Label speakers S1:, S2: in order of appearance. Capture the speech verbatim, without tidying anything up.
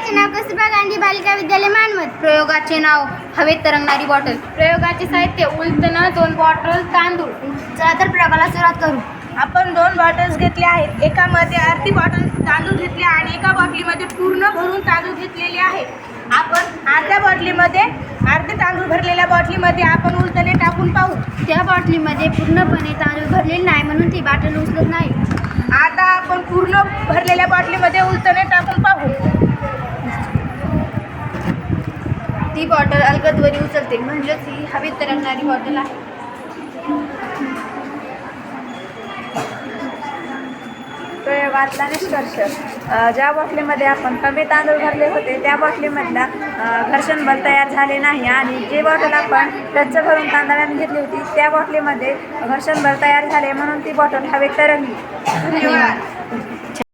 S1: प्रयोगाचे नाव कस्तुरबा गांधी बालिका विद्यालय मानवत.
S2: प्रयोगाचे नाव हवेत तरंगणारी बॉटल.
S1: प्रयोगाचे साहित्य उलटणं, दोन बॉटल तांदूळ.
S2: चला तर प्रयोगाला सुरुवात करू.
S3: आपण दोन बॉटल्स घेतले आहेत. एकामध्ये अर्धी बॉटल तांदूळ घेतले आणि एका बॉटलीमध्ये पूर्ण भरून तांदूळ घेतलेले आहे. आपण अर्ध्या बॉटलीमध्ये अर्धे तांदूळ भरलेल्या बॉटलीमध्ये आपण उलटणे टाकून पाहू.
S1: त्या बाटलीमध्ये पूर्णपणे तांदूळ भरलेले नाही म्हणून ती बाटल उचलत नाही.
S3: आता आपण पूर्ण भरलेल्या बॉटलीमध्ये उलटणे टाकून पाहू.
S2: ती बॉटल अलगदवरी उचलते, म्हणजेच ही हवेत तरंगणारी बॉटल आहे.
S4: प्रयोगातला निष्कर्ष. अ, ज्या बॉटलीमध्ये आपण कमी तांदूळ भरले होते त्या बॉटलीमधला अ, घर्षण बल तयार झाले नाही आणि जी बॉटल आपण टच भरून तांदळाने घेतली होती त्या बॉटलीमध्ये घर्षण बल तयार झाले म्हणून ती बॉटल हवेत तरंगली.
S2: धन्यवाद.